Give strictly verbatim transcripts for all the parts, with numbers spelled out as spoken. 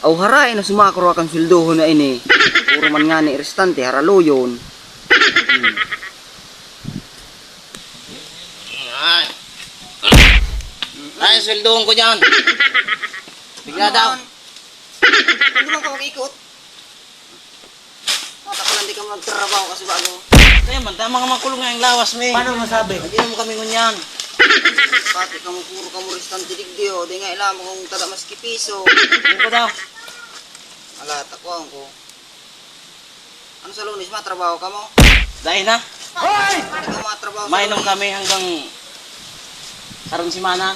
Aw haray na sumakro akan sweldohon na ini. Puro man nga ni restante haralo yun. Hmm. Ay. Ay, sweldohon ko dyan. Bigla daw. Hindi man ka mag-ikot. Matapalan di ka magtrabaho kasi bago. Kaya man, tama nga makulong nga yung lawas, me. Paano masabi? Hindi mo kami ngunyan. Pati ka mo puro ka mo restante digdi o. Di nga ilam kung tada mas kipiso. Ano ko daw? Ala, takuan ko. Ano sa lunes, matrabaho ka mo? Dahil na. Hoy! Hindi ka matrabaho sa Mainom lunes. kami hanggang karong simana.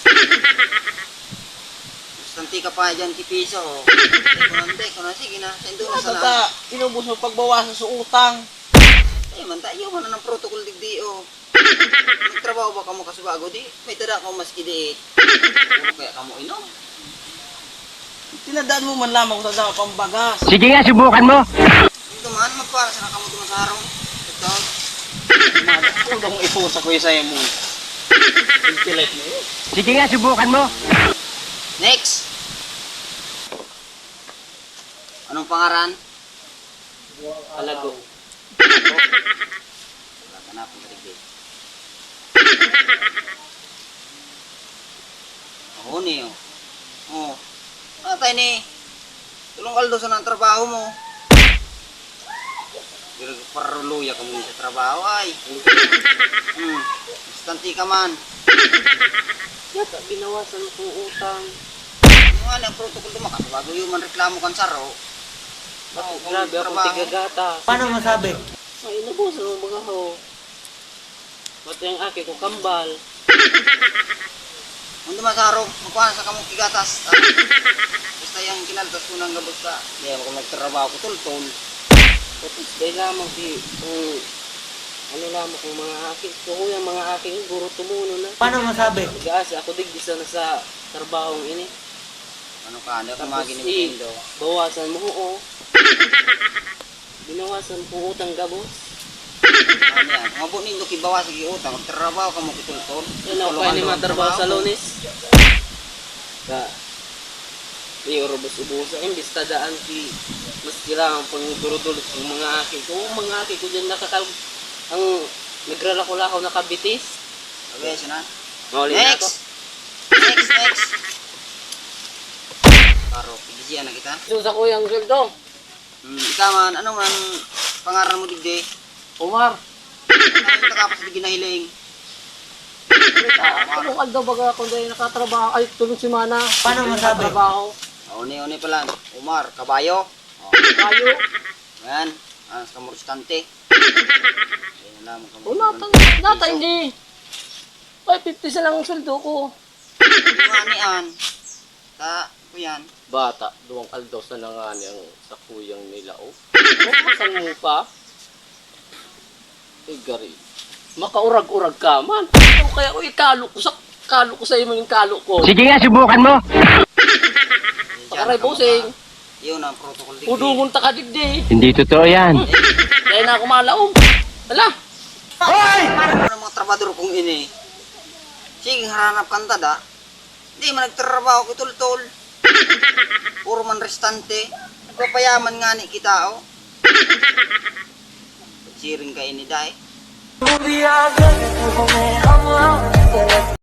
Restante ka pa dyan kipiso. Hindi ko nante, ko na sige na. Sendo na sana. Basta, inubos mo pagbawasan sa utang. Eh man, tayo man na ng protocol digdi o. Nagtrabaho ba ka mo kasubago di? May tada ka mas kidiit. Puro kaya ka mo inom. Tinadaan mo man lamang kung tadaan pambagas. Sige nga, subukan mo. Ito man, magpara sa nakamu tumasarong. Ito. Kung ipusa ko yung sa'yo mo. Intilet mo yun. Sige nga, subukan mo. Next! Anong pangaran? Alago. Wala ka na, pagkatigdi. Ako ni, oh. Oh. Matay ni. Tulong kaldo sa ng trabaho mo. Pero paruluya ka muna sa trabaho, ay. Hmm. Instanti ka man. Yata, binawasan ko utang. Yung nga ang protocol dumakas, bago yung man reklamo kan saro. Oh, grabe akong tigagata. Paano masabi? Ay, nabusan mo mga ho. Ba't yung aki ko kambal? Kung dumasaro, magkuhan sa kamong kigatas. Ah. Basta yung kinaltas ko ng gabos ka. Hindi ako nagtrabaho ko tultol. Tapos dahil lamang di, kung ano lamang kung mga aki. So kung yung mga aking guro tumuno na. Paano masabi? Nag-aasi ako digdisa na sa trabahong ini. Ano ka, hindi ako Tapos maginig i, Indo. bawasan mo oo. Binawasan po utang gabos. Ano yan, mabunin do kibawas sa giutang, magtrabaho ka mo kitultol. Yan ako kaya ni matrabaho sa lunes. Ka, di orobos ubusa. Imbis tadaan ki, mas kailangan pang durudulot yung mga aki ko. Yung mga aki ko dyan nakakal, ang nagralako-lakaw na kabitis. Okay, siya na. Mauli na ako. Next! Next, next! Paro, pigisiyan na kita. So sa kuyang sweldo, Hmm, ikaw man, ano man pangaran mo digdi? Umar. Ano takapos di ginahiling? Anong aldaw baga kung dahil nakatrabaho, ay tulong si Mana. Paano masabi? Nakatrabaho. Uni-uni pala. Umar, kabayo. Oh, Tayo. yan. Anas ka mo restante. Yan lang mo. O nata, nata hindi. Ay, fifty sa lang ang sweldo ko. Manian. Ta, ko yan. Bata, duwang aldaw sa nangani ang sa kuyang nila o. Masan mo pa? Ay, gari. Makaurag-urag ka man. O kaya o ikalo ko sa kalo ko sa iyo yung kalo ko. Sige nga, subukan mo. Pakaray bosing. Yun ang protocol digdi. Udungon ta ka digdi. Hindi totoo yan. Dahil na ako malaom. Hala. Ano mga trabador kong ini? Sige, haranap kang tada. Di man nagtrabaho ko tultol. Puro man restante. Nagpapayaman nga ni kita, oh. Siring ka ini, dahil.